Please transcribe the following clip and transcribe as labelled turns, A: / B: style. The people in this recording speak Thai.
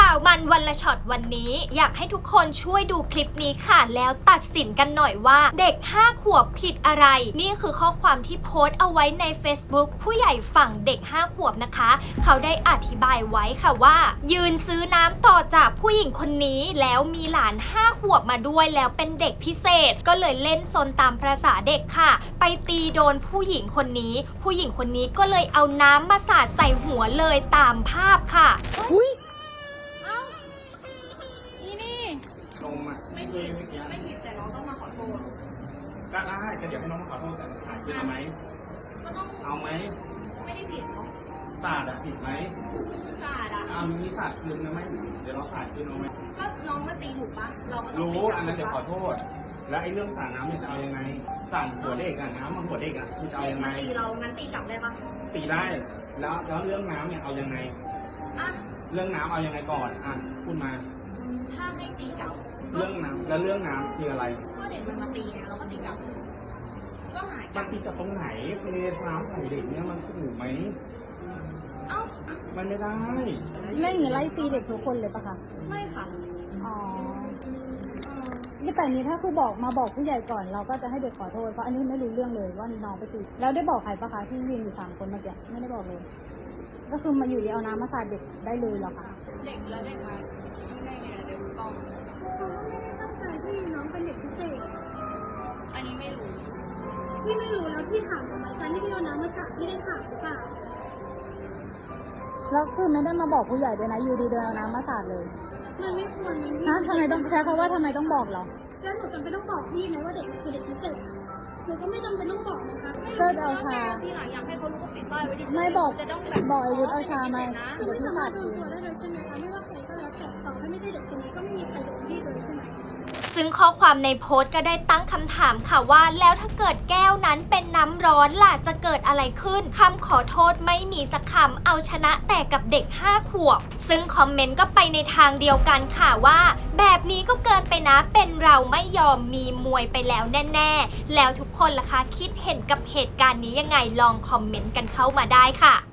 A: าวมันวันละช็อตวันนี้อยากให้ทุกคนช่วยดูคลิปนี้ค่ะแล้วตัดสินกันหน่อยว่าเด็ก5 ขวบผิดอะไรนี่คือข้อความที่โพสต์เอาไว้ใน Facebook ผู้ใหญ่ฝั่งเด็ก5 ขวบนะคะเขาได้อธิบายไว้ค่ะว่ายืนซื้อน้ำต่อจากผู้หญิงคนนี้แล้วมีหลาน5 ขวบมาด้วยแล้วเป็นเด็กพิเศษก็เลยเล่นซนตามประสาเด็กค่ะไปตีโดนผู้หญิงคนนี้ผู้หญิงคนนี้ก็เลยเอาน้ำมาสาดใส่หัวเลยตามภาพค่ะ
B: อุ้ยเอ้าอีนี่
C: ลงมาไม่ผิดไม่ผิดแต่น้องต้องมาขอโทษก็ได้ก็เดี๋ยวให้น้องมาขอโทษแต่ถ่ายคืนเอาไหมก็ต้องเอาไหมไม่ได้ผิดศาสตร์อะผิดไหมศาสตร์อะมีศาสตร์คืนนะไหมเดี๋ยวเราศาสตร์คืนเอาไหมก็น้องมาตีถูกปะเราก็ต้องรู้อันนั้นเดี๋ยวขอโทษแล้วไอ้เรื่องสาดน้ำเนี่ยจะเอายังไงสาดหัวเด็กอะน้ำมันหัวเด็กอะคือจะเอายังไงตีเรางั้นตีกลับได้ปะตีได้แล้วเรื่องน้ำเนี่ยเอายังไงอะเรื่องน้ำเอายังไงก่อนอ่ะพูดมาถ้าให้ตีกลับเรื่องน้ำแล้วเรื่องน้ำคืออะไรก็เด็กมันมาตีไงเราก็ตีกลับก็หายมันตีกับตรงไหนเทน้ำใส่เด็กเนี่ยมันถูกไหมเอ้ามันไม่ได้
B: ไม่หนีไล่ตีเด็กทุกคนเลยปะคะ
C: ไม่ค่ะ
B: อ๋อนี่แต่นี้ถ้าครูมาบอกผู้ใหญ่ก่อนเราก็จะให้เด็กขอโทษเพราะอันนี้ไม่รู้เรื่องเลยว่าน้องไปตีแล้วได้บอกใครปะคะที่ยืนอยู่3 คนเมื่อกี้ไม่ได้บอกเลยก็คือมาอยู่ดีเอาน้ำมาสาดเด็กได้เลยเหรอคะ
C: เด็กแล้วเด็กมาไม่ได้ไงเด็กกล้อง
B: เขาไม่ได้ตั้งใจที่น้องเป็นเด็กพิเศษ
C: อันนี้ไม่รู้
B: พี่ไม่รู้แล้วพี่ถามทำไมการที่พี่เอาน้ำมาสาดพี่ได้ถามหรือเปล่าแล้วคือไม่ได้มาบอกผู้ใหญ่ด้วยนะอยู่ดีเดินเอาน้ำมาสาดเลยมันไม่ควรนะทำไมต้องใช้คำว่าทำไมต้องบอกเราแล้วหนูจำเป็นต้องบอกพี่ไหมว่าเด็กคือเด็กพิเศษหนูก็ไม่จำเป็นต้องบอกนะคะเลิกเอาชา
C: ที่หลังอยากให้เขารู้ว่าปิดป้ายไว้ที่
B: ไม่บอก
C: จะต้อง
B: บอกไอ้วุฒิเอาชามา
C: คือ
B: ไม่
C: สามารถ
B: โดนตัวได้เลยใช่ไหมคะไม่ว่าใครก็แล้วแต่ต่อให้ไม่ใช่เด็กคนนี้ก็ไม่มีใครโดนพี่เลยใช่ไหม
A: ซึ่งข้อความในโพสต์ก็ได้ตั้งคำถามค่ะว่าแล้วถ้าเกิดแก้วนั้นเป็นน้ำร้อนล่ะจะเกิดอะไรขึ้นคำขอโทษไม่มีสักคำเอาชนะแต่กับเด็ก5 ขวบซึ่งคอมเมนต์ก็ไปในทางเดียวกันค่ะว่าแบบนี้ก็เกินไปนะเป็นเราไม่ยอมมีมวยไปแล้วแน่ๆแล้วทุกคนล่ะคะคิดเห็นกับเหตุการณ์นี้ยังไงลองคอมเมนต์กันเข้ามาได้ค่ะ